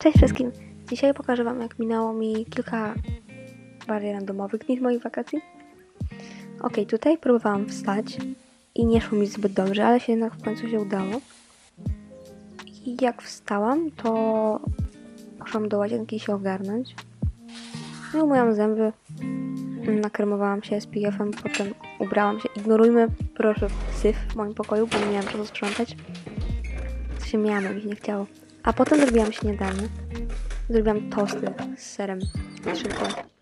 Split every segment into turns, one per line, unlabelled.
Cześć wszystkim! Dzisiaj pokażę wam, jak minęło mi kilka bardziej randomowych dni z moich wakacji. Tutaj próbowałam wstać i nie szło mi zbyt dobrze, ale się jednak w końcu się udało. I jak wstałam, to poszłam do łazienki się ogarnąć. No, umyłam zęby, nakremowałam się SPF-em, potem ubrałam się. Ignorujmy proszę syf w moim pokoju, bo nie miałam czasu sprzątać. Co się miałam, mi się nie chciało. A potem zrobiłam śniadanie. Zrobiłam tosty z serem i szynką.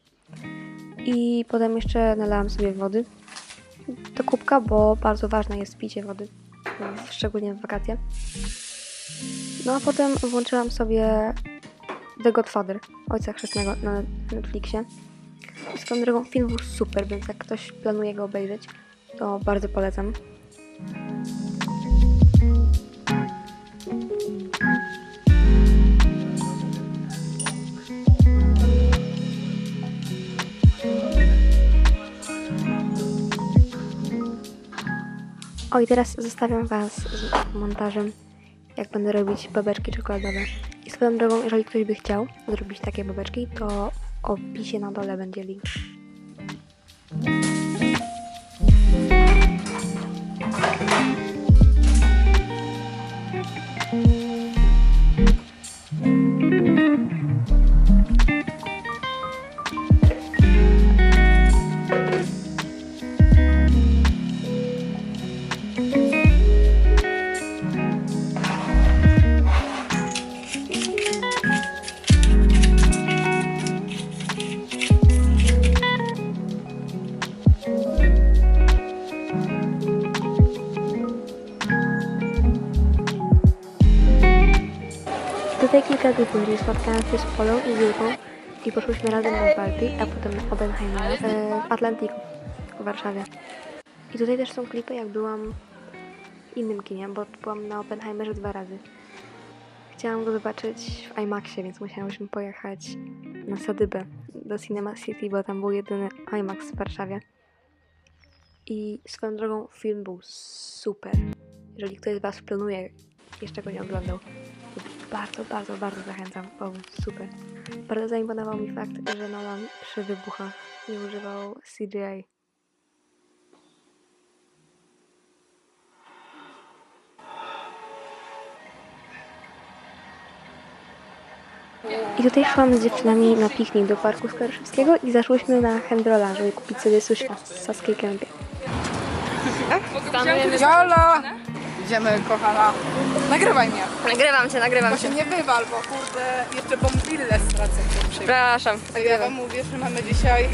I potem jeszcze nalałam sobie wody do kubka, bo bardzo ważne jest picie wody, szczególnie w wakacje. No a potem włączyłam sobie The Godfather, Ojca Chrzestnego na Netflixie. Swoją drogą film był super, więc jak ktoś planuje go obejrzeć, to bardzo polecam. I teraz zostawiam was z montażem, jak będę robić babeczki czekoladowe. I swoją drogą, jeżeli ktoś by chciał zrobić takie babeczki, to w opisie na dole będzie link. Tutaj kilka dni później spotkałam się z Polą i Julką i poszłyśmy razem na party, a potem na Oppenheimera w Atlantiku w Warszawie. I tutaj też są klipy, jak byłam w innym kinie, bo byłam na Oppenheimerze 2 razy. Chciałam go zobaczyć w IMAXie, więc musiałyśmy pojechać na Sadybę do Cinema City, bo tam był jedyny IMAX w Warszawie. I swoją drogą film był super. Jeżeli ktoś z was planuje, jeszcze go nie oglądał, bardzo zachęcam, bo był super. Bardzo zaimponował mi fakt, że Nolan przy wybuchach nie używał CGI. I tutaj szłam z dziewczynami na piknik do Parku Skaryszewskiego i zaszłyśmy na Handrola, żeby kupić sobie sushka z Saskiej Kępie.
Jola! Idziemy, kochana. Nagrywaj mnie.
Nagrywam
Bo
cię.
się nie wywal, bo kurde, jeszcze bombille stracę.
Przepraszam.
Ja wam mówię, że mamy dzisiaj...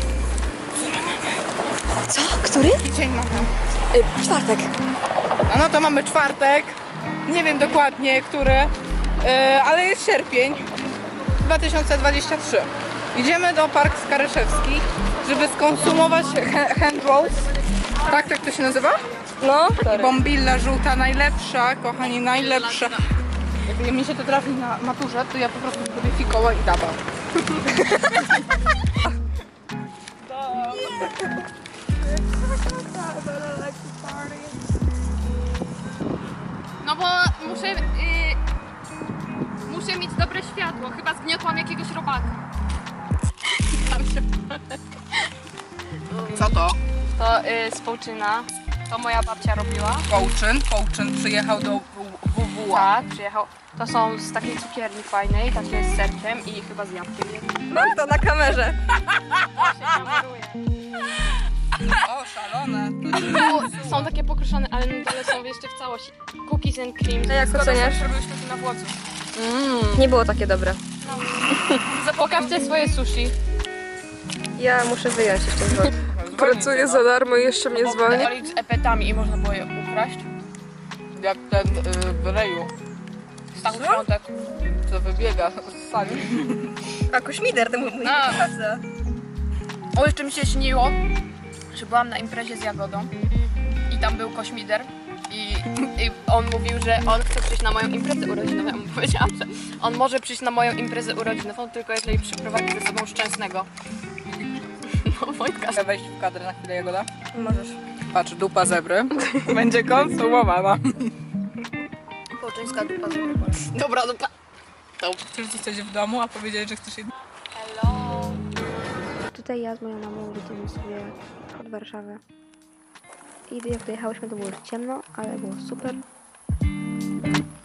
Co? Który?
Dzień mamy.
Czwartek.
No to mamy czwartek. Nie wiem dokładnie, który, ale jest sierpień 2023. Idziemy do Park Skaryszewski, żeby skonsumować hand rolls. Tak to się nazywa?
No.
Bombilla żółta, najlepsza, kochani, najlepsza. Jak mi się to trafi na maturze, to ja po prostu zrobię fikoła i daba.
No bo muszę mieć dobre światło. Chyba zgniotłam jakiegoś robaka.
Co to?
To z Połczyna. To moja babcia robiła.
Połczyn przyjechał do WWA.
Tak, przyjechał. To są z takiej cukierni fajnej, takie z serkiem i chyba z jabłkiem.
Mam to na kamerze.
O, szalone.
Są takie pokruszone, ale na dole są jeszcze w całości. Cookies and cream.
A jak oceniasz?
Robiłyśmy to na Włodzu.
Nie było takie dobre.
Pokażcie swoje sushi.
Ja muszę wyjąć jeszcze z wody.
Pracuję za darmo i jeszcze mnie zwolni.
Oli z epetami i można było je ukraść.
Jak ten w reju,
Stachu Świątek.
co wybiega z sali.
A kośmider, to mój praca.
O, jeszcze mi się śniło, że byłam na imprezie z Jagodą i tam był kośmider i on mówił, że on chce przyjść na moją imprezę urodzinową. Ja mu powiedziałam, że on może przyjść na moją imprezę urodzinową, tylko jeżeli przyprowadzi ze sobą Szczęsnego. No, Wojtka.
Chcę wejść w kadrę na chwilę, Jagoda?
Możesz.
Patrz, dupa zebry będzie konsumowana.
Połczyńska dupa z
Dobra, dobra.
Chcesz zostać w domu, a powiedzieć, że chcesz iść.
Tutaj ja z moją mamą jedziemy sobie od Warszawy. I jak dojechałyśmy, to było już ciemno, ale było super.